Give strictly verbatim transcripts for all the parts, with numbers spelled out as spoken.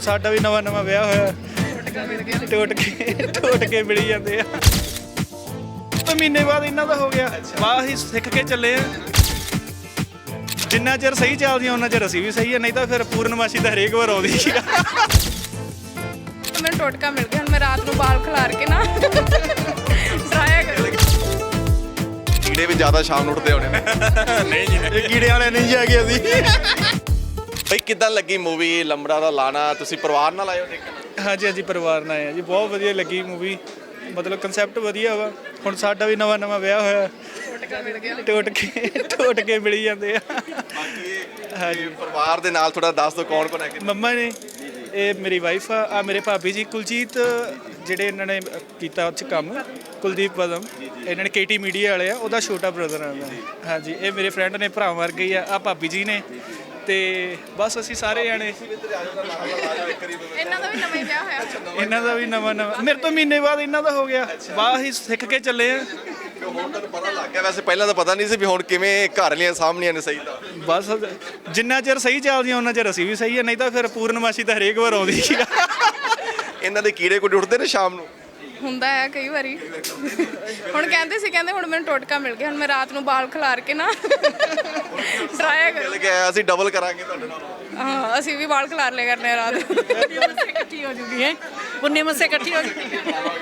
ਸਾਡਾ ਵੀ ਨਵਾਂ ਨਵਾਂ ਵਿਆਹ ਹੋਇਆ ਟੁੱਟ ਕੇ ਟੁੱਟ ਕੇ ਮਿਲੀ ਜਾਂਦੇ ਆ ਤਾਂ ਮਹੀਨੇ ਬਾਅਦ ਇਹਨਾਂ ਦਾ ਹੋ ਗਿਆ ਵਾਹ ਹੀ ਸਿੱਖ ਕੇ ਚੱਲੇ ਆ ਜਿੰਨਾ ਚਿਰ ਸਹੀ ਚੱਲਦੀਆਂ ਉਹਨਾਂ ਚਿਰ ਅਸੀਂ ਵੀ ਸਹੀ ਆ ਨਹੀਂ ਤਾਂ ਫਿਰ ਪੂਰਨਮਾਸ਼ੀ ਤਾਂ ਹਰੇਕ ਵਾਰ ਆਉਂਦੀ ਸੀ ਮੈਨੂੰ ਟੋਟਕਾ ਮਿਲ ਗਿਆ ਹੁਣ ਮੈਂ ਰਾਤ ਨੂੰ ਬਾਲ ਖਿਲਾਰ ਕੇ ਨਾ ਡਰਾਇਆ ਕਰਾਂਗੀ ਕੀੜੇ ਵੀ ਜ਼ਿਆਦਾ ਸ਼ਾਮ ਨੂੰ ਉੱਠਦੇ ਹੋਣੇ ਨੇ ਨਹੀਂ ਜੀ ਇਹ ਕੀੜੇ ਵਾਲੇ ਨਹੀਂ ਜੀ ਹੈਗੇ ਅਸੀਂ ਬਈ ਕਿੱਦਾਂ ਲੱਗੀ ਮੂਵੀ ਲੰਬੜਾ ਦਾ ਲਾਣਾ ਤੁਸੀਂ ਪਰਿਵਾਰ ਨਾਲ ਆਏ ਹੋ ਦੇਖਣ ਹਾਂਜੀ ਹਾਂਜੀ ਪਰਿਵਾਰ ਨਾਲ ਆਏ ਆ ਜੀ ਬਹੁਤ ਵਧੀਆ ਲੱਗੀ ਮੂਵੀ ਮਤਲਬ ਕਨਸੈਪਟ ਵਧੀਆ ਵਾ ਹੁਣ ਸਾਡਾ ਵੀ ਨਵਾਂ ਨਵਾਂ ਵਿਆਹ ਹੋਇਆ ਟੁੱਟ ਕੇ ਟੁੱਟ ਕੇ ਮਿਲੀ ਜਾਂਦੇ ਆ ਹਾਂਜੀ ਪਰਿਵਾਰ ਦੇ ਨਾਲ ਥੋੜਾ ਦੱਸ ਦਿਓ ਕੌਣ ਕੌਣ ਹੈਗੇ ਮੰਮਾ ਨੇ ਇਹ ਮੇਰੀ ਵਾਈਫ ਆ ਆ ਮੇਰੇ ਭਾਬੀ ਜੀ ਕੁਲਜੀਤ ਜਿਹੜੇ ਇਹਨਾਂ ਨੇ ਕੀਤਾ ਉੱਥੇ ਕੰਮ ਕੁਲਦੀਪ ਪਦਮ ਇਹਨਾਂ ਨੇ ਕੇਟੀ ਮੀਡੀਆ ਵਾਲੇ ਆ ਉਹਦਾ ਛੋਟਾ ਬ੍ਰਦਰ ਆ ਮੈਂ ਹਾਂਜੀ ਇਹ ਮੇਰੇ ਫਰੈਂਡ ਨੇ ਭਰਾ ਮਰ ਗਈ ਆ ਆ ਭਾਬੀ ਜੀ ਨੇ ਤੇ ਬਸ ਅਸੀਂ ਸਾਰੇ ਜਾਣੇ ਇਹਨਾਂ ਦਾ ਵੀ ਨਵਾਂ ਹੀ ਵਿਆਹ ਹੋਇਆ ਇਹਨਾਂ ਦਾ ਵੀ ਨਵਾਂ ਨਵਾਂ ਮੇਰੇ ਤੋਂ ਮਹੀਨੇ ਬਾਅਦ ਇਹਨਾਂ ਦਾ ਹੋ ਗਿਆ ਵਾਹ ਹੀ ਸਿੱਖ ਕੇ ਚੱਲੇ ਆ ਹੁਣ ਤੁਹਾਨੂੰ ਪਤਾ ਲੱਗ ਗਿਆ ਵੈਸੇ ਪਹਿਲਾਂ ਤਾਂ ਪਤਾ ਨਹੀਂ ਸੀ ਵੀ ਹੁਣ ਕਿਵੇਂ ਘਰ ਵਾਲੀਆਂ ਸਾਹਮਣੀਆਂ ਨੇ ਸਹੀ ਤਾਂ ਬਸ ਜਿੰਨਾ ਚਿਰ ਸਹੀ ਚੱਲਦੀਆਂ ਉਹਨਾਂ ਚਿਰ ਅਸੀਂ ਵੀ ਸਹੀ ਆ ਨਹੀਂ ਤਾਂ ਫਿਰ ਪੂਰਨਮਾਸ਼ੀ ਤਾਂ ਹਰੇਕ ਵਾਰ ਆਉਂਦੀ ਸੀ ਇਹਨਾਂ ਦੇ ਕੀੜੇ ਕੋਈ ਉੱਠਦੇ ਨੇ ਸ਼ਾਮ ਨੂੰ ਹੁੰਦਾ ਹੈ ਕਈ ਵਾਰੀ ਹੁਣ ਕਹਿੰਦੇ ਸੀ ਕਹਿੰਦੇ ਹੁਣ ਮੈਨੂੰ ਟੋਟਕਾ ਮਿਲ ਗਿਆ ਹੁਣ ਮੈਂ ਰਾਤ ਨੂੰ ਬਾਲ ਖਿਲਾਰ ਕੇ ਨਾ ਡਰਾਇਆ ਮਿਲ ਕਰਾਂਗੀ ਗਿਆ ਅਸੀਂ ਡਬਲ ਕਰਾਂਗੇ ਤੁਹਾਡੇ ਨਾਲ ਹਾਂ ਅਸੀਂ ਵੀ ਬਾਲ ਖਿਲਾਰ ਲਿਆ ਕਰਨੇ ਆ ਰਾਤ ਇਕੱਠੀ ਹੋ ਜੂਗੀ ਹੈ ਪੁੰਨੇ ਮੱਸੇ ਇਕੱਠੀ ਹੋ ਜੂਗੀ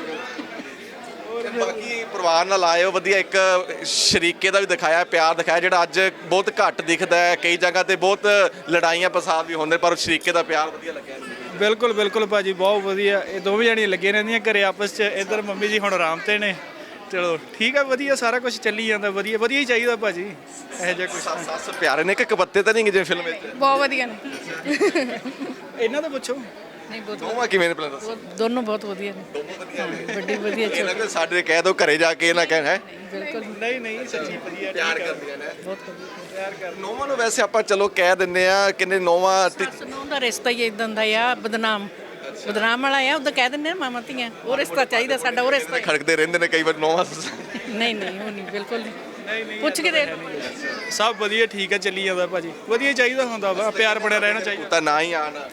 ਬਾਕੀ ਪਰਿਵਾਰ ਨਾਲ ਆਏ ਹੋ ਵਧੀਆ ਇੱਕ ਸ਼ਰੀਕੇ ਦਾ ਵੀ ਦਿਖਾਇਆ ਪਿਆਰ ਦਿਖਾਇਆ ਜਿਹੜਾ ਅੱਜ ਬਹੁਤ ਘੱਟ ਦਿਖਦਾ ਹੈ ਕਈ ਜਗ੍ਹਾ ਤੇ ਬਹੁਤ ਲੜਾਈਆਂ ਫਸਾਦ ਵੀ ਹੁੰਦੇ ਪਰ ਸ਼ਰੀਕੇ ਦਾ ਪਿਆਰ ਵਧੀਆ ਲੱਗਿਆ ਬਿਲਕੁਲ ਬਿਲਕੁਲ ਭਾਜੀ ਬਹੁਤ ਵਧੀਆ ਇਹ ਦੋਵੇਂ ਜਣੀਆਂ ਲੱਗੀਆਂ ਰਹਿੰਦੀਆਂ ਘਰੇ ਆਪਸ 'ਚ ਇੱਧਰ ਮੰਮੀ ਜੀ ਹੁਣ ਆਰਾਮ ਤੇ ਨੇ ਚਲੋ ਠੀਕ ਆ ਵਧੀਆ ਸਾਰਾ ਕੁਝ ਚੱਲੀ ਜਾਂਦਾ ਵਧੀਆ ਵਧੀਆ ਹੀ ਚਾਹੀਦਾ ਭਾਜੀ ਇਹੋ ਜਿਹਾ ਕੁਝ ਸੱਸ ਪਿਆਰੇ ਨੇ ਕਿ ਕਪੱਤੇ ਤਾਂ ਨਹੀਂ ਜਿਵੇਂ ਫਿਲਮ ਵਿੱਚ ਬਹੁਤ ਵਧੀਆ ਨੇ ਇਹਨਾਂ ਦਾ ਪੁੱਛੋ ਨਹੀਂ ਬਹੁਤ ਦੋਵਾਂ ਕਿਵੇਂ ਨੇ ਪਹਿਲਾਂ ਦੱਸੋ ਦੋਨੋਂ ਬਹੁਤ ਵਧੀਆ ਨੇ ਦੋਨੋਂ ਵਧੀਆ ਨੇ ਵੱਡੀ ਵਧੀਆ ਇਹ ਨਾ ਕਿ ਸਾਡੇ ਕਹਿ ਦੋ ਘਰੇ ਜਾ ਕੇ ਇਹ ਨਾ ਕਹਿਣ ਹੈ ਬਿਲਕੁਲ ਨਹੀਂ ਨਹੀਂ ਸੱਚੀ ਵਧੀਆ ਪਿਆਰ ਕਰਦੀਆਂ ਨੇ ਬਹੁਤ ਵਧੀਆ ਪਿਆਰ ਕਰ ਨੌਵਾਂ ਨੂੰ ਵੈਸੇ ਆਪਾਂ ਚਲੋ ਕਹਿ ਦਿੰਦੇ ਆ ਕਿੰਨੇ ਨੌਵਾਂ ਤੇ ਸੁਣੋ ਦਾ ਰਿਸ਼ਤਾ ਹੀ ਇਦਾਂ ਦਾ ਆ ਬਦਨਾਮ ਬਦਨਾਮ ਵਾਲਾ ਆ ਉਹਦਾ ਕਹਿ ਦਿੰਦੇ ਆ ਮਾਮਾ ਧੀਆਂ ਉਹ ਰਿਸ਼ਤਾ ਚਾਹੀਦਾ ਸਾਡਾ ਉਹ ਰਿਸ਼ਤਾ ਖੜਕਦੇ ਰਹਿੰਦੇ ਨੇ ਕਈ ਵਾਰ ਨੌਵਾਂ ਨਹੀਂ ਨਹੀਂ ਉਹ ਨਹੀਂ ਬਿਲਕੁਲ ਨਹੀਂ ਨਹੀਂ ਨਹੀਂ ਪੁੱਛ ਕੇ ਦੇਖ ਸਭ ਵਧੀਆ ਠੀਕ ਆ ਚੱਲੀ ਜਾਂਦਾ ਭਾਜੀ ਵਧੀਆ ਹੀ ਚਾਹੀਦਾ ਹੁੰਦਾ ਵਾ ਪਿਆਰ ਬਣਿਆ ਰਹਿਣਾ ਚਾਹੀਦਾ ਤਾਂ ਨਾ ਹੀ ਆਣ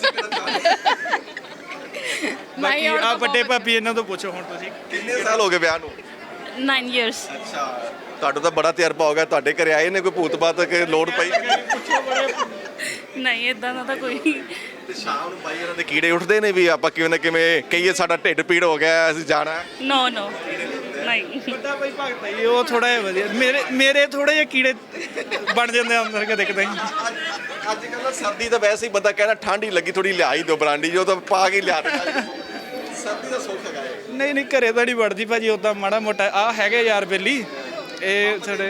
ਬਾਕੀ ਆ ਵੱਡੇ ਭਾਬੀ ਇਹਨਾਂ ਤੋਂ ਪੁੱਛੋ ਹੁਣ ਤੁਸੀਂ ਕਿੰਨੇ ਸਾਲ ਹੋ ਗਏ ਵਿਆਹ ਨੂੰ nine years. ਅੱਛਾ ਤੁਹਾਡਾ ਤਾਂ ਬੜਾ ਤਜਰਬਾ ਹੋ ਗਿਆ ਤੁਹਾਡੇ ਘਰੇ ਆਏ ਨੇ ਕੋਈ ਭੂਤ ਬਾਤ ਕਿ ਲੋੜ ਪਈ ਨਹੀਂ ਇਦਾਂ ਦਾ ਤਾਂ ਕੋਈ ਤੇ ਸ਼ਾਮ ਨੂੰ ਬਾਈ ਇਹਨਾਂ ਦੇ ਕੀੜੇ ਉੱਠਦੇ ਨੇ ਵੀ ਆਪਾਂ ਕਿਵੇਂ ਨਾ ਕਿਵੇਂ ਕਹੀਏ ਸਾਡਾ ਢਿੱਡ ਪੀੜ ਹੋ ਗਿਆ ਅਸੀਂ ਜਾਣਾ ਨੋ ਨੋ ਨਹੀਂ ਵੱਡਾ ਭਾਈ ਭਗਤ ਹੈ ਜੀ, ਉਹ ਥੋੜਾ ਜਿਹਾ ਵਧੀਆ ਮੇਰੇ ਮੇਰੇ ਥੋੜੇ ਜਿਹੇ ਕੀੜੇ ਬਣ ਜਾਂਦੇ ਆ ਅੰਦਰ ਕਦੇ ਕਦੇ ਅੱਜ ਕੱਲ੍ਹ ਸਰਦੀ ਤਾਂ ਵੈਸੇ ਹੀ ਬੰਦਾ ਕਹਿੰਦਾ ਠੰਡ ਹੀ ਲੱਗੀ ਥੋੜੀ ਲਿਆਈ ਦਿਓ ਬਰਾਂਡੀ ਜੋ ਤਾਂ ਪਾ ਕੇ ਲਿਆ ਦੇ ਸਰਦੀ ਦਾ ਸੁੱਖ ਹੈਗਾ ਇਹ। ਨਹੀਂ ਨਹੀਂ ਘਰੇ ਤਾਂ ਨਹੀਂ ਵੜਦੀ ਭਾਜੀ ਉਦਾਂ ਮਾੜਾ ਮੋਟਾ ਆ ਹੈਗੇ ਯਾਰ ਬੇਲੀ ਇਹ ਥੋੜੇ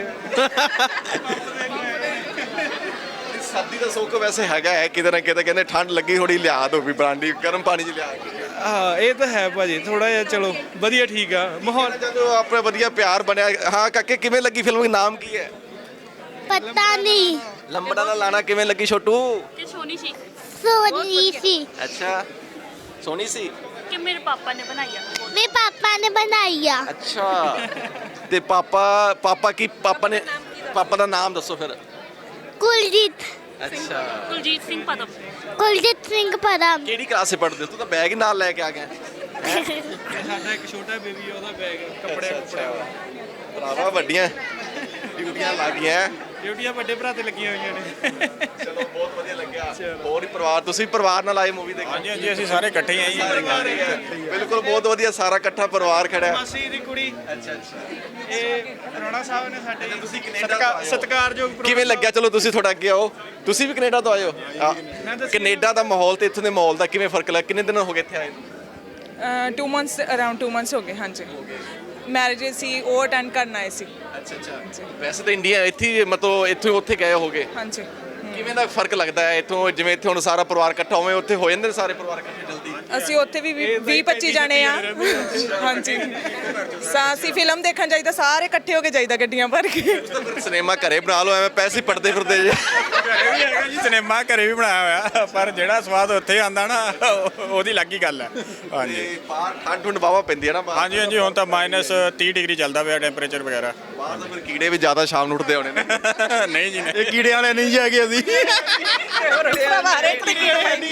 ਸਰਦੀ ਦਾ ਸੁੱਖ ਵੈਸੇ ਹੈਗਾ ਹੈ ਕਿਤੇ ਨਾ ਕਿਤੇ ਕਹਿੰਦੇ ਠੰਡ ਲੱਗੀ ਥੋੜੀ ਲਿਆ ਦਿਓ ਵੀ ਬਰਾਂਡੀ ਗਰਮ ਪਾਣੀ 'ਚ ਲਿਆ ਕੇ ਹਾਂ ਇਹ ਤਾਂ ਹੈ ਭਾਜੀ ਥੋੜਾ ਜਿਹਾ ਚਲੋ ਵਧੀਆ ਠੀਕ ਆ ਮਾਹੌਲ ਜਦੋਂ ਆਪਣੇ ਵਧੀਆ ਪਿਆਰ ਬਣਿਆ ਹਾਂ ਕਾਕੇ ਕਿਵੇਂ ਲੱਗੀ ਫਿਲਮ ਦਾ ਨਾਮ ਕੀ ਹੈ ਪਤਾ ਨਹੀਂ ਲੰਬੜਾ ਦਾ ਲਾਣਾ ਕਿਵੇਂ ਲੱਗੀ ਛੋਟੂ ਤੇ ਸੋਨੀ ਸੀ ਸੋਨੀ ਸੀ ਅੱਛਾ ਸੋਹਣੀ ਸੀ ਕਿ ਮੇਰੇ ਪਾਪਾ ਨੇ ਬਣਾਈ ਆ ਮੇਰੇ ਪਾਪਾ ਨੇ ਬਣਾਈ ਆ ਅੱਛਾ ਤੇ ਪਾਪਾ ਪਾਪਾ ਕੀ ਪਾਪਾ ਨੇ ਪਾਪਾ ਦਾ ਨਾਮ ਦੱਸੋ ਫਿਰ ਕੁਲਜੀਤ ਅੱਛਾ ਕੁਲਜੀਤ ਸਿੰਘ ਪਦਮ ਕੁਲਜੀਤ ਸਿੰਘ ਪਰਮ ਕਿਹੜੀ ਕਲਾਸ 'ਚ ਪੜ੍ਹਦੇ ਹੋ ਤੂੰ ਤਾਂ ਬੈਗ ਹੀ ਨਾਲ ਲੈ ਕੇ ਆ ਗਿਆ ਸਾਡਾ ਇੱਕ ਛੋਟਾ ਬੇਬੀ ਉਹਦਾ ਬੈਗ ਕੱਪੜੇ ਕੱਪੜੇ ਭਰਾਵਾ ਵੱਡੀਆਂ ਡਿਊਟੀਆਂ ਲੱਗ ਗਈਆਂ ਡਿਊਟੀਆਂ ਵੱਡੇ ਭਰਾ ਤੇ ਲੱਗੀਆਂ ਹੋਈਆਂ ਨੇ ਚਲੋ ਬਹੁਤ ਵਧੀਆ ਲੱਗਿਆ ਹੋਰ ਹੀ ਪਰਿਵਾਰ ਤੁਸੀਂ ਪਰਿਵਾਰ ਨਾਲ ਆਏ ਮੂਵੀ ਦੇਖਣ ਹਾਂਜੀ ਹਾਂਜੀ ਅਸੀਂ ਸਾਰੇ ਇਕੱਠੇ ਹੀ ਆ ਜੀ ਬਿਲਕੁਲ ਬਹੁਤ ਵਧੀਆ ਸਾਰਾ ਇਕੱਠਾ ਪਰਿਵਾਰ ਖੜਾ ਹੈ ਮਾਸੀ ਦੀ ਕੁੜੀ ਅੱਛਾ ਅੱਛਾ ਇਹ ਰੋਣਾ ਸਾਹਿਬ ਨੇ ਸਾਡੇ ਤੁਸੀਂ ਕੈਨੇਡਾ ਸਤਿਕਾਰ ਤੋਂ ਆਏ ਹੋ। ਸਤਿਕਾਰਯੋਗ ਪ੍ਰੋ- ਕਿਵੇਂ ਲੱਗਿਆ ਚਲੋ ਤੁਸੀਂ ਥੋੜਾ ਅੱਗੇ ਆਓ ਤੁਸੀਂ ਵੀ ਕੈਨੇਡਾ ਤੋਂ ਆਏ ਹੋ ਆ, ਕੈਨੇਡਾ ਦਾ ਮਾਹੌਲ ਤੇ ਇੱਥੋਂ ਦੇ ਮਾਹੌਲ ਦਾ ਕਿਵੇਂ ਫਰਕ ਲੱਗਾ ਕਿੰਨੇ ਦਿਨ ਹੋ ਗਏ ਇੱਥੇ ਆਏ ਨੂੰ? Two months around two months ਹੋ ਗਏ ਹਾਂਜੀ ਮੈਰਿਜ ਸੀ ਉਹ ਅਟੈਂਡ ਕਰਨ ਆਏ ਸੀ ਅੱਛਾ ਅੱਛਾ ਵੈਸੇ ਤਾਂ ਇੰਡੀਆ ਇੱਥੇ ਹੀ ਮਤਲਬ ਇੱਥੋਂ ਉੱਥੇ ਗਏ ਹੋਗੇ ਹਾਂਜੀ ਕਿਵੇਂ ਦਾ ਫਰਕ ਲੱਗਦਾ ਹੈ ਇੱਥੋਂ ਜਿਵੇਂ ਇੱਥੇ ਹੁਣ ਸਾਰਾ ਪਰਿਵਾਰ ਇਕੱਠਾ ਹੋਵੇ ਉੱਥੇ ਹੋ ਜਾਂਦੇ ਨੇ ਸਾਰੇ ਪਰਿਵਾਰ ਇਕੱਠੇ ਜਲਦੀ ਅਸੀਂ ਉੱਥੇ ਵੀ ਵੀਹ ਪੱਚੀ ਜਾਣੇ ਆ ਹਾਂਜੀ ਸਾ ਅਸੀਂ ਫਿਲਮ ਦੇਖਣ ਜਾਈਦਾ ਸਾਰੇ ਇਕੱਠੇ ਹੋ ਕੇ ਜਾਈਦਾ ਗੱਡੀਆਂ ਭਰ ਕੇ ਸਿਨੇਮਾ ਘਰੇ ਬਣਾ ਲਓ ਐਵੇਂ ਪੈਸੇ ਪੜਦੇ ਫਿਰਦੇ ਜੇ ਘਰੇ ਵੀ ਹੈਗਾ ਜੀ ਸਿਨੇਮਾ ਘਰੇ ਵੀ ਬਣਾਇਆ ਹੋਇਆ ਪਰ ਜਿਹੜਾ ਸਵਾਦ ਉੱਥੇ ਆਂਦਾ ਨਾ ਉਹ- ਉਹਦੀ ਅਲੱਗ ਹੀ ਗੱਲ ਹੈ ਹਾਂਜੀ ਬਾਹਰ ਠੰਡ ਠੁੰਡ ਬਾਵਾ ਪੈਂਦੀ ਹੈ ਨਾ ਬਾਹਰ ਹਾਂਜੀ ਹਾਂਜੀ ਹੁਣ ਤਾਂ ਮਾਈਨਸ ਤੀਹ ਡਿਗਰੀ ਚੱਲਦਾ ਪਿਆ ਟੈਂਪਰੇਚਰ ਵਗੈਰਾ ਬਾਹਰ ਬਾਹਰ ਤਾਂ ਫਿਰ ਕੀੜੇ ਵੀ ਜ਼ਿਆਦਾ ਸ਼ਾਮ ਨੂੰ ਉੱਠਦੇ ਹੋਣੇ ਨੇ ਨਹੀਂ ਜੀ ਨਹੀਂ। ਇਹ ਕੀੜੇ ਵਾਲੇ ਨਹੀਂ ਜੀ ਹੈਗੇ ਅਸੀਂ ਹਰੇ ਤਰੀਕੇ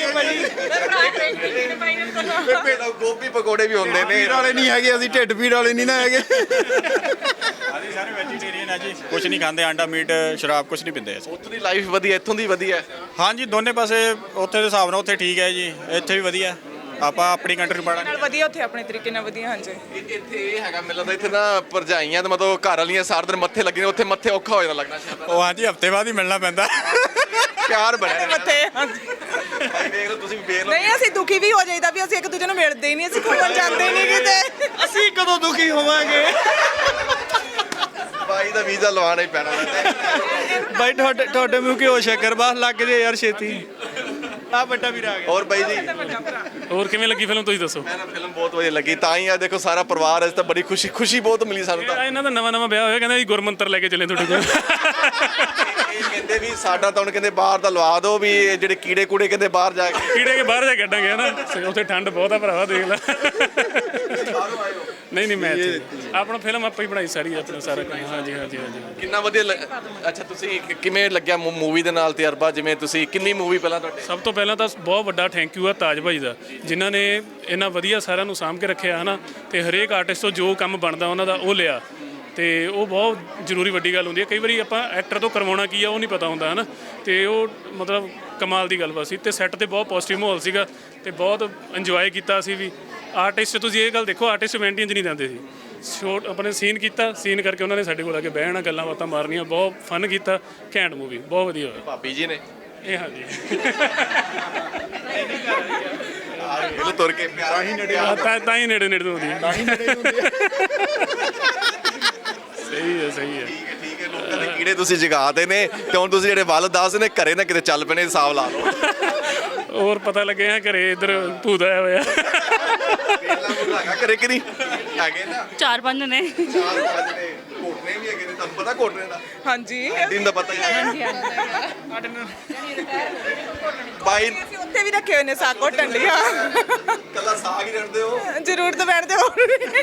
ਫਿਰ ਗੋਭੀ ਪਕੌੜੇ ਵੀ ਹੁੰਦੇ ਨੇ ਪੀੜ ਵਾਲੇ ਨਹੀਂ ਹੈਗੇ ਅਸੀਂ ਢਿੱਡ ਪੀੜ ਵਾਲੇ ਨਹੀਂ ਨਾ ਹੈਗੇ ਅਸੀਂ ਸਾਰੇ ਵੈਜੀਟੇਰੀਅਨ ਆ ਜੀ, ਕੁਝ ਨਹੀਂ ਖਾਂਦੇ, ਆਂਡਾ ਮੀਟ ਸ਼ਰਾਬ ਕੁਝ ਨਹੀਂ ਪੀਂਦੇ ਅਸੀਂ। ਉੱਥੋਂ ਦੀ ਲਾਈਫ ਵਧੀਆ, ਇੱਥੋਂ ਦੀ ਵਧੀਆ। ਹਾਂਜੀ ਦੋਨੇ ਪਾਸੇ ਉੱਥੇ ਦੇ ਹਿਸਾਬ ਨਾਲ ਉੱਥੇ ਠੀਕ ਹੈ ਜੀ, ਇੱਥੇ ਵੀ ਵਧੀਆ। ਆਪਾਂ ਆਪਣੀ ਕੰਟਰੀ ਨਾਲ ਪੜਾਂਗੇ। ਵਧੀਆ ਉੱਥੇ ਆਪਣੇ ਤਰੀਕੇ ਨਾਲ ਵਧੀਆ। ਹਾਂਜੀ ਇ- ਇੱਥੇ ਇਹ ਹੈਗਾ ਮੈਨੂੰ ਲੱਗਦਾ ਇੱਥੇ ਨਾ ਭਰਜਾਈਆਂ ਤੇ ਮਤਲਬ ਘਰ ਵਾਲੀਆਂ ਸਾਰਾ ਦਿਨ ਮੱਥੇ ਲੱਗੇ ਨੇ, ਉੱਥੇ ਮੱਥੇ ਔਖਾ ਹੋ ਜਾਂਦਾ ਲੱਗਣਾ ਸ਼ਾਇਦ। ਉਹ ਹਾਂਜੀ ਹਫਤੇ ਬਾਅਦ ਹੀ ਮਿਲਣਾ ਪੈਂਦਾ। ਪਿਆਰ ਬਣਿਆ ਰਹਿੰਦਾ। ਮੱਥੇ ਹਾਂਜੀ। ਭਾਈ ਦੇਖ ਲਓ ਤੁਸੀਂ ਵੀ ਵੇਖ ਲਓ। ਨਹੀਂ ਅਸੀਂ ਦੁਖੀ ਵੀ ਹੋ ਜਾਈਦਾ ਵੀ ਅਸੀਂ ਇੱਕ ਦੂਜੇ ਨੂੰ ਮਿਲਦੇ ਹੀ ਨਹੀਂ, ਅਸੀਂ ਘੁੰਮਣ ਜਾਂਦੇ ਨਹੀਂ ਕਿਤੇ। ਅਸੀਂ ਕਦੋਂ ਦੁਖੀ ਹੋਵਾਂਗੇ ਭਾਈ ਦਾ ਵੀਜ਼ਾ ਲਵਾਉਣਾ ਹੀ ਪੈਣਾ ਵੈਸੇ। ਬਾਈ ਤੁਹਾਡੇ ਤੁਹਾਡੇ ਮੂੰਹ ਕੀ ਹੋ ਸ਼ੱਕਰ ਬਾਹਰ ਲੱਗ ਜੇ ਯਾਰ ਛੇਤੀ। ਆ ਵੱਡਾ ਵੀਰ ਆ ਗਿਆ। ਹੋਰ ਬਾਈ ਜੀ ਹੋਰ ਕਿਵੇਂ ਲੱਗੀ ਫਿਲਮ ਤੁਸੀਂ ਦੱਸੋ? ਮੈਨੂੰ ਫਿਲਮ ਬਹੁਤ ਵਧੀਆ ਲੱਗੀ, ਤਾਂ ਹੀ ਆ ਦੇਖੋ ਸਾਰਾ ਪਰਿਵਾਰ ਇਸ ਤਾਂ ਬੜੀ ਖੁਸ਼ੀ ਖੁਸ਼ੀ ਬਹੁਤ ਮਿਲੀ ਸਾਨੂੰ ਤਾਂ। ਇਹ ਇਹਨਾਂ ਦਾ ਨਵਾਂ ਨਵਾਂ ਵਿਆਹ ਹੋਇਆ, ਕਹਿੰਦਾ ਜੀ ਗੁਰਮੰਤਰ ਲੈ ਕੇ ਚੱਲੇ ਤੁਹਾਡੇ ਕੋਲ। ਇਹ ਕਹਿੰਦੇ ਵੀ ਸਾਡਾ ਤਾਂ ਹੁਣ ਕਹਿੰਦੇ ਬਾਹਰ ਦਾ ਲਵਾ ਦਿਓ ਵੀ ਇਹ ਜਿਹੜੇ ਕੀੜੇ ਕੂੜੇ ਕਹਿੰਦੇ ਬਾਹਰ ਜਾ ਕੇ। ਕੀੜੇ ਕੇ ਬਾਹਰ ਜਾ ਕੇ ਕੱਢਾਂਗੇ ਹਨਾ, ਉੱਥੇ ਠੰਡ ਬਹੁਤ ਆ ਭਰਾਵਾ, ਦੇਖ ਲੈ। ਨਹੀਂ ਨਹੀਂ ਮੈਂ ਇੱਥੇ ਆਪਣਾ ਫਿਲਮ ਆਪਾਂ ਹੀ ਬਣਾਈ ਸਾਰੀ, ਆਪਣਾ ਸਾਰਾ ਕੰਮ। ਹਾਂਜੀ ਹਾਂਜੀ ਹਾਂਜੀ। ਕਿੰਨਾ ਵਧੀਆ ਲੱਗ- ਅੱਛਾ ਤੁਸੀਂ ਕਿ- ਕਿਵੇਂ ਲੱਗਿਆ ਮੂਵੀ ਦੇ ਨਾਲ ਤਜਰਬਾ? ਜਿਵੇਂ ਤੁਸੀਂ ਕਿੰਨੀ ਮੂਵੀ ਪਹਿਲਾਂ ਤੁਹਾਡੇ? ਸਭ ਤੋਂ ਪਹਿਲਾਂ ਤਾਂ ਬਹੁਤ ਵੱਡਾ ਥੈਂਕ ਯੂ ਆ ਤਾਜ ਭਾਈ ਦਾ, ਜਿਨ੍ਹਾਂ ਨੇ ਇੰਨਾ ਵਧੀਆ ਸਾਰਿਆਂ ਨੂੰ ਸਾਂਭ ਕੇ ਰੱਖਿਆ ਹਨਾ, ਤੇ ਹਰੇਕ ਆਰਟਿਸਟ ਤੋਂ ਜੋ ਕੰਮ ਬਣਦਾ ਉਹਨਾਂ ਦਾ ਉਹ ਲਿਆ, ਤੇ ਉਹ ਬਹੁਤ ਜ਼ਰੂਰੀ ਵੱਡੀ ਗੱਲ ਹੁੰਦੀ ਹੈ। ਕਈ ਵਾਰੀ ਆਪਾਂ ਐਕਟਰ ਤੋਂ ਕਰਵਾਉਣਾ ਕੀ ਆ ਉਹ ਨਹੀਂ ਪਤਾ ਹੁੰਦਾ ਹਨਾ, ਤੇ ਉਹ ਮਤਲਬ ਕਮਾਲ ਦੀ ਗੱਲਬਾਤ ਸੀ। ਤੇ ਸੈੱਟ ਤੇ ਬਹੁਤ ਪੋਜ਼ਿਟਿਵ ਮਾਹੌਲ ਸੀਗਾ ਤੇ ਬਹੁਤ ਇੰਜੋਏ ਕੀਤਾ ਅਸੀਂ ਵੀ। ਆਰਟਿਸਟ ਤੁਸੀਂ ਇਹ ਗੱਲ ਦੇਖੋ, ਆਰਟਿਸਟ ਮੈਂਟੀਆਂ 'ਚ ਨਹੀਂ ਜਾਂਦੇ ਸੀ, ਸ਼ੋਟ ਆਪਣੇ ਸੀਨ ਕੀਤਾ, ਸੀਨ ਕਰਕੇ ਉਹਨਾਂ ਨੇ ਸਾਡੇ ਕੋਲ ਆ ਕੇ ਬਹਿਣਾ, ਗੱਲਾਂ ਬਾਤਾਂ ਮਾਰਨੀਆਂ, ਬਹੁਤ ਫਨ ਕੀਤਾ। ਘੈਂਟ ਮੂਵੀ, ਬਹੁਤ ਵਧੀਆ ਹੋਇਆ। ਭਾਬੀ ਜੀ ਨੇ ਇਹ ਹਾਂਜੀ ਇਹਨੂੰ ਤੁਰ ਕੇ ਪਿਆਰ ਹੀ ਨੇੜੇ ਹਾਂ, ਤਾਂ ਤਾਂ ਹੀ ਨੇੜੇ ਨੇੜੇ ਤੋਂ ਹੁੰਦੀ ਹੈ। ਸਹੀ ਹੈ ਸਹੀ ਹੈ। ਠੀਕ ਹੈ ਠੀਕ ਹੈ। ਲੋਕਾਂ ਦੇ ਕੀੜੇ ਤੁਸੀਂ ਜਗਾਤੇ ਨੇ ਤੇ ਹੁਣ ਤੁਸੀਂ ਜਿਹੜੇ ਵੱਲ ਦੱਸ ਨੇ ਘਰੇ ਨਾ ਕਿਤੇ ਚੱਲ ਪੈਣੇ, ਹਿਸਾਬ ਲਾ ਲਓ। ਹੋਰ ਪਤਾ ਲੱਗੇ ਆ ਘਰੇ ਇੱਧਰ ਭੂਤ ਆਇਆ ਹੋਇਆ। ਵੇਲਾ ਬੁਲਾ ਹੈਗਾ ਘਰੇ ਕਿ ਨਹੀਂ ਹੈਗੇ ਨਾ? ਚਾਰ ਪੰਜ ਨੇ। ਚਾਰ ਪੰਜ ਨੇ, ਘੋਟਨੇ ਵੀ ਹੈਗੇ ਨੇ, ਤੁਹਾਨੂੰ ਪਤਾ ਘੋਟਨੇ ਦਾ? ਹਾਂਜੀ ਦਿਨ ਦਾ ਪਤਾ ਹੀ ਹੈ। ਬਾਈ ਅਸੀਂ ਉੱਥੇ ਵੀ ਰੱਖੇ ਹੋਏ ਨੇ ਸਾਗ ਘੋਟਣ ਲਈ। ਹਾਂ ਕੱਲਾ ਸਾਗ ਹੀ ਰੱਖਦੇ ਹੋ? ਜ਼ਰੂਰ ਤਾਂ ਬੈਠਦੇ ਹੋਰ ਵੀ।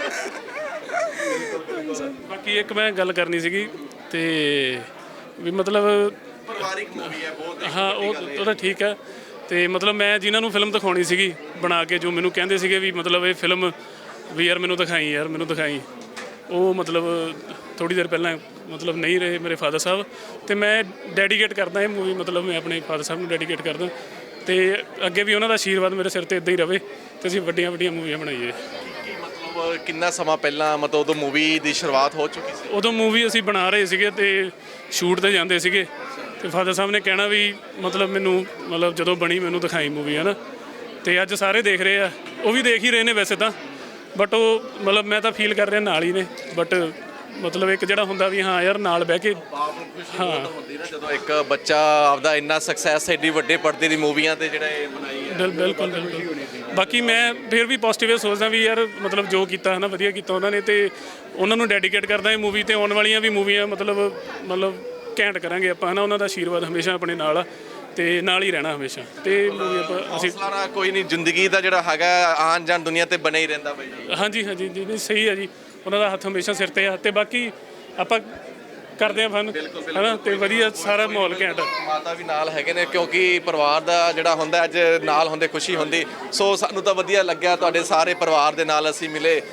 ਬਾਕੀ ਇੱਕ ਮੈਂ ਗੱਲ ਕਰਨੀ ਸੀਗੀ ਤੇ ਵੀ ਮਤਲਬ ਪਰਿਵਾਰਿਕ ਮੂਵੀ ਹੈ ਬਹੁਤ। ਹਾਂ ਉਹ ਉਹ ਤਾਂ ਠੀਕ ਹੈ, ਤੇ ਮਤਲਬ ਮੈਂ ਜਿਨ੍ਹਾਂ ਨੂੰ ਫਿਲਮ ਦਿਖਾਉਣੀ ਸੀਗੀ ਬਣਾ ਕੇ, ਜੋ ਮੈਨੂੰ ਕਹਿੰਦੇ ਸੀਗੇ ਵੀ ਮਤਲਬ ਇਹ ਫਿਲਮ ਵੀ ਯਾਰ ਮੈਨੂੰ ਦਿਖਾਈ ਯਾਰ ਮੈਨੂੰ ਦਿਖਾਈ, ਉਹ ਮਤਲਬ ਥੋੜੀ ਦੇਰ ਪਹਿਲਾਂ ਮਤਲਬ ਨਹੀਂ ਰਹੇ ਮੇਰੇ ਫਾਦਰ ਸਾਹਿਬ, ਤੇ ਮੈਂ ਡੈਡੀਕੇਟ ਕਰਦਾ ਇਹ ਮੂਵੀ, ਮਤਲਬ ਮੈਂ ਆਪਣੇ ਫਾਦਰ ਸਾਹਿਬ ਨੂੰ ਡੈਡੀਕੇਟ ਕਰਦਾ, ਤੇ ਅੱਗੇ ਵੀ ਉਹਨਾਂ ਦਾ ਆਸ਼ੀਰਵਾਦ ਮੇਰੇ ਸਿਰ ਤੇ ਇੱਦਾਂ ਹੀ ਰਵੇ ਤੇ ਅਸੀਂ ਵੱਡੀਆਂ ਵੱਡੀਆਂ ਮੂਵੀਆਂ ਬਣਾਈਏ। ਮਤਲਬ ਕਿੰਨਾ ਸਮਾਂ ਪਹਿਲਾਂ ਮਤਲਬ ਉਦੋਂ ਮੂਵੀ ਦੀ ਸ਼ੁਰੂਆਤ ਹੋ ਚੁੱਕੀ ਸੀ? ਉਦੋਂ ਮੂਵੀ ਅਸੀਂ ਬਣਾ ਰਹੇ ਸੀਗੇ ਤੇ ਸ਼ੂਟ ਤੇ ਜਾਂਦੇ ਸੀਗੇ, ਤੇ ਫਾਦਰ ਸਾਹਿਬ ਨੇ ਕਹਿਣਾ ਵੀ ਮਤਲਬ ਮੈਨੂੰ ਮਤਲਬ ਜਦੋਂ ਬਣੀ ਮੈਨੂੰ ਦਿਖਾਈ ਮੂਵੀ ਹੈ ਨਾ, ਤੇ ਅੱਜ ਸਾਰੇ ਦੇਖ ਰਹੇ ਆ, ਉਹ ਵੀ ਦੇਖ ਹੀ ਰਹੇ ਨੇ ਵੈਸੇ ਤਾਂ, ਬਟ ਉਹ ਮਤਲਬ ਮੈਂ ਤਾਂ ਫੀਲ ਕਰ ਰਿਹਾ ਨਾਲ ਹੀ ਨੇ, ਬਟ ਮਤਲਬ ਇੱਕ ਜਿਹੜਾ ਹੁੰਦਾ ਵੀ ਹਾਂ ਯਾਰ ਨਾਲ ਬਹਿ ਕੇ ਹਾਂ ਹੁੰਦੀ ਨਾ ਜਦੋਂ ਇੱਕ ਬੱਚਾ ਆਪਦਾ ਇੰਨਾ ਸਕਸੈਸ ਐਡੀ ਵੱਡੇ ਪਰਦੇ ਦੀ ਮੂਵੀਆਂ ਤੇ ਜਿਹੜਾ ਇਹ ਬਣਾਈ ਹੈ। ਬਿਲ ਬਿਲਕੁਲ ਬਿਲਕੁਲ। ਬਾਕੀ ਮੈਂ ਫਿਰ ਵੀ ਪੋਜ਼ਿਟਿਵ ਸੋਚਦਾ ਵੀ ਯਾਰ ਮਤਲਬ ਜੋ ਕੀਤਾ ਹੈ ਨਾ ਵਧੀਆ ਕੀਤਾ ਉਹਨਾਂ ਨੇ, ਤੇ ਉਹਨਾਂ ਨੂੰ ਡੈਡੀਕੇਟ ਕਰਦਾ ਇਹ ਮੂਵੀ, ਤੇ ਆਉਣ ਵਾਲੀਆਂ ਵੀ ਮੂਵੀਆਂ ਮਤਲਬ ਮਤਲਬ ਘੈਂਟ ਕਰਾਂਗੇ ਆਪਾਂ ਹੈ ਨਾ। ਉਹਨਾਂ ਦਾ ਆਸ਼ੀਰਵਾਦ ਹਮੇਸ਼ਾ ਆਪਣੇ ਨਾਲ ਆ ਤੇ ਨਾਲ ਹੀ ਰਹਿਣਾ ਹਮੇਸ਼ਾ, ਤੇ ਮੂਵੀ ਆਪਾਂ ਅਸੀਂ ਹੌਸਲਾ ਨਾਲ ਕੋਈ ਨਹੀਂ, ਜ਼ਿੰਦਗੀ ਦਾ ਜਿਹੜਾ ਹੈਗਾ ਆਉਣ ਜਾਣ ਦੁਨੀਆ ਤੇ ਬਣਿਆ ਹੀ ਰਹਿੰਦਾ ਬਾਈ ਜੀ। ਹਾਂਜੀ ਹਾਂਜੀ ਜੀ ਨਹੀਂ ਸਹੀ ਹੈ ਜੀ, ਉਹਨਾਂ ਦਾ ਹੱਥ ਹਮੇਸ਼ਾ ਸਿਰ ਤੇ ਆ, ਤੇ ਬਾਕੀ ਆਪਾਂ ਕਰਦੇ ਆ ਫਨ ਹੈ ਨਾ, ਤੇ ਵਧੀਆ ਸਾਰਾ ਮਾਹੌਲ ਘੈਂਟ। ਮਾਤਾ ਵੀ ਨਾਲ ਹੈਗੇ ਨੇ, ਕਿਉਂਕਿ ਪਰਿਵਾਰ ਦਾ ਜਿਹੜਾ ਹੁੰਦਾ ਅੱਜ ਨਾਲ ਹੁੰਦੇ ਖੁਸ਼ੀ ਹੁੰਦੀ। ਸੋ ਸਾਨੂੰ ਤਾਂ ਵਧੀਆ ਲੱਗਿਆ, ਤੁਹਾਡੇ ਸਾਰੇ ਪਰਿਵਾਰ ਦੇ ਨਾਲ ਅਸੀਂ ਮਿਲੇ